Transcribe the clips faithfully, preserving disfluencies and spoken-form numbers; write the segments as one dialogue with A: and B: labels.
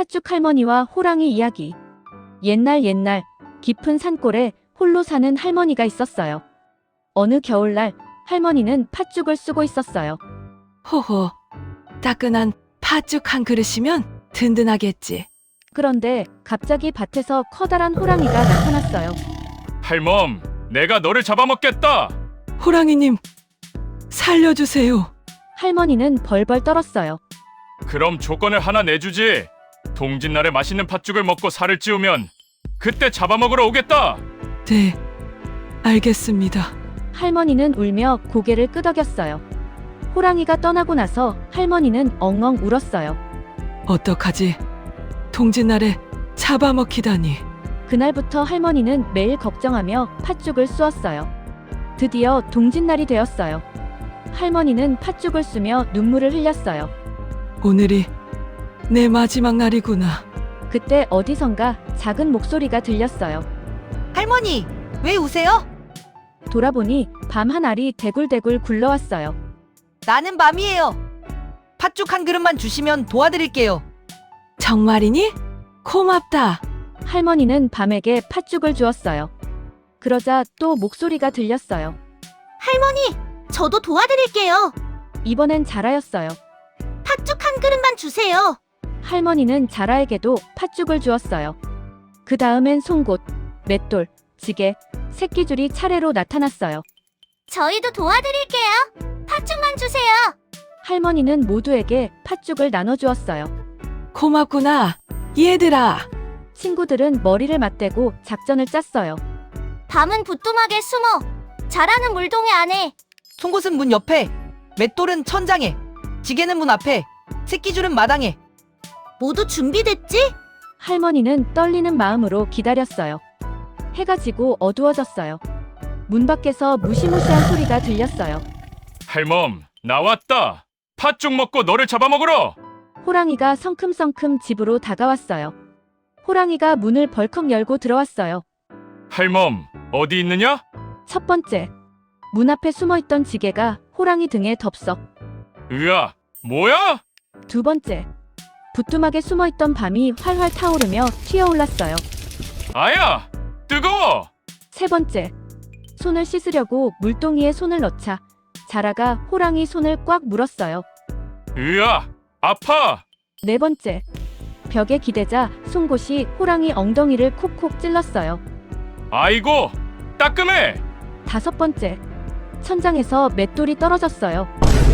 A: 팥죽 할머니와 호랑이 이야기. 옛날 옛날 깊은 산골에 홀로 사는 할머니가 있었어요. 어느 겨울날 할머니는 팥죽을 쓰고 있었어요.
B: 호호, 따끈한 팥죽 한 그릇이면 든든하겠지.
A: 그런데 갑자기 밭에서 커다란 호랑이가 나타났어요.
C: 할멈, 내가 너를 잡아먹겠다.
B: 호랑이님, 살려주세요.
A: 할머니는 벌벌 떨었어요.
C: 그럼 조건을 하나 내주지. 동짓날에 맛있는 팥죽을 먹고 살을 찌우면 그때 잡아먹으러 오겠다.
B: 네, 알겠습니다.
A: 할머니는 울며 고개를 끄덕였어요. 호랑이가 떠나고 나서 할머니는 엉엉 울었어요.
B: 어떡하지? 동짓날에 잡아먹히다니.
A: 그날부터 할머니는 매일 걱정하며 팥죽을 쑤었어요. 드디어 동짓날이 되었어요. 할머니는 팥죽을 쑤며 눈물을 흘렸어요.
B: 오늘이 내 마지막 날이구나.
A: 그때 어디선가 작은 목소리가 들렸어요.
D: 할머니, 왜 우세요?
A: 돌아보니 밤 한 알이 대굴대굴 굴러왔어요.
D: 나는 밤이에요. 팥죽 한 그릇만 주시면 도와드릴게요.
B: 정말이니? 고맙다.
A: 할머니는 밤에게 팥죽을 주었어요. 그러자 또 목소리가 들렸어요.
E: 할머니, 저도 도와드릴게요.
A: 이번엔 자라였어요.
E: 팥죽 한 그릇만 주세요.
A: 할머니는 자라에게도 팥죽을 주었어요. 그 다음엔 송곳, 맷돌, 지게, 새끼줄이 차례로 나타났어요.
E: 저희도 도와드릴게요. 팥죽만 주세요.
A: 할머니는 모두에게 팥죽을 나눠주었어요.
B: 고맙구나, 얘들아.
A: 친구들은 머리를 맞대고 작전을 짰어요.
E: 밤은 부뚜막에 숨어 자라는 물동이 안에.
D: 송곳은 문 옆에, 맷돌은 천장에, 지게는 문 앞에, 새끼줄은 마당에.
E: 모두 준비됐지?
A: 할머니는 떨리는 마음으로 기다렸어요. 해가 지고 어두워졌어요. 문 밖에서 무시무시한 소리가 들렸어요.
C: 할멈, 나왔다. 팥죽 먹고 너를 잡아먹으러.
A: 호랑이가 성큼성큼 집으로 다가왔어요. 호랑이가 문을 벌컥 열고 들어왔어요.
C: 할멈, 어디 있느냐?
A: 첫 번째, 문 앞에 숨어있던 지게가 호랑이 등에 덥석.
C: 으아, 뭐야?
A: 두 번째, 부뚜막에 숨어있던 밤이 활활 타오르며 튀어올랐어요.
C: 아야, 뜨거워.
A: 세 번째, 손을 씻으려고 물동이에 손을 넣자 자라가 호랑이 손을 꽉 물었어요.
C: 으아, 아파.
A: 네 번째, 벽에 기대자 송곳이 호랑이 엉덩이를 콕콕 찔렀어요.
C: 아이고, 따끔해.
A: 다섯 번째, 천장에서 맷돌이 떨어졌어요.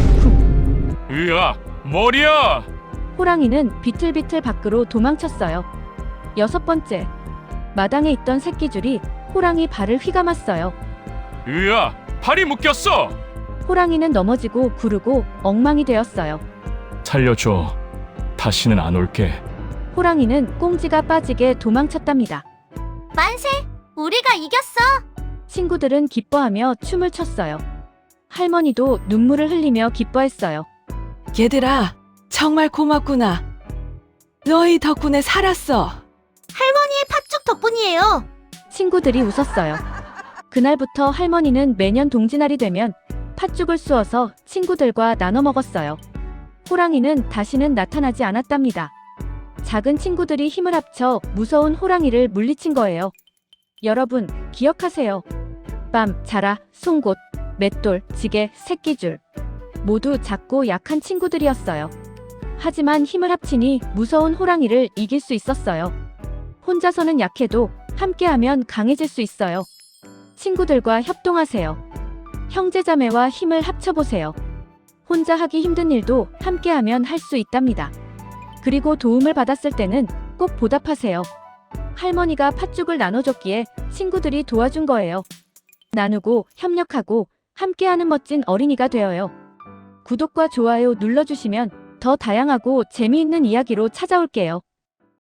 C: 으아, 머리야.
A: 호랑이는 비틀비틀 밖으로 도망쳤어요. 여섯 번째, 마당에 있던 새끼줄이 호랑이 발을 휘감았어요.
C: 으아, 팔이 묶였어.
A: 호랑이는 넘어지고 구르고 엉망이 되었어요.
C: 살려줘. 다시는 안 올게.
A: 호랑이는 꽁지가 빠지게 도망쳤답니다.
E: 만세! 우리가 이겼어!
A: 친구들은 기뻐하며 춤을 췄어요. 할머니도 눈물을 흘리며 기뻐했어요.
B: 얘들아, 정말 고맙구나. 너희 덕분에 살았어.
E: 할머니의 팥죽 덕분이에요.
A: 친구들이 웃었어요. 그날부터 할머니는 매년 동짓날이 되면 팥죽을 쑤어서 친구들과 나눠 먹었어요. 호랑이는 다시는 나타나지 않았답니다. 작은 친구들이 힘을 합쳐 무서운 호랑이를 물리친 거예요. 여러분, 기억하세요. 밤, 자라, 송곳, 맷돌, 지게, 새끼줄. 모두 작고 약한 친구들이었어요. 하지만 힘을 합치니 무서운 호랑이를 이길 수 있었어요. 혼자서는 약해도 함께하면 강해질 수 있어요. 친구들과 협동하세요. 형제자매와 힘을 합쳐보세요. 혼자 하기 힘든 일도 함께하면 할 수 있답니다. 그리고 도움을 받았을 때는 꼭 보답하세요. 할머니가 팥죽을 나눠줬기에 친구들이 도와준 거예요. 나누고 협력하고 함께하는 멋진 어린이가 되어요. 구독과 좋아요 눌러주시면 더 다양하고 재미있는 이야기로 찾아올게요.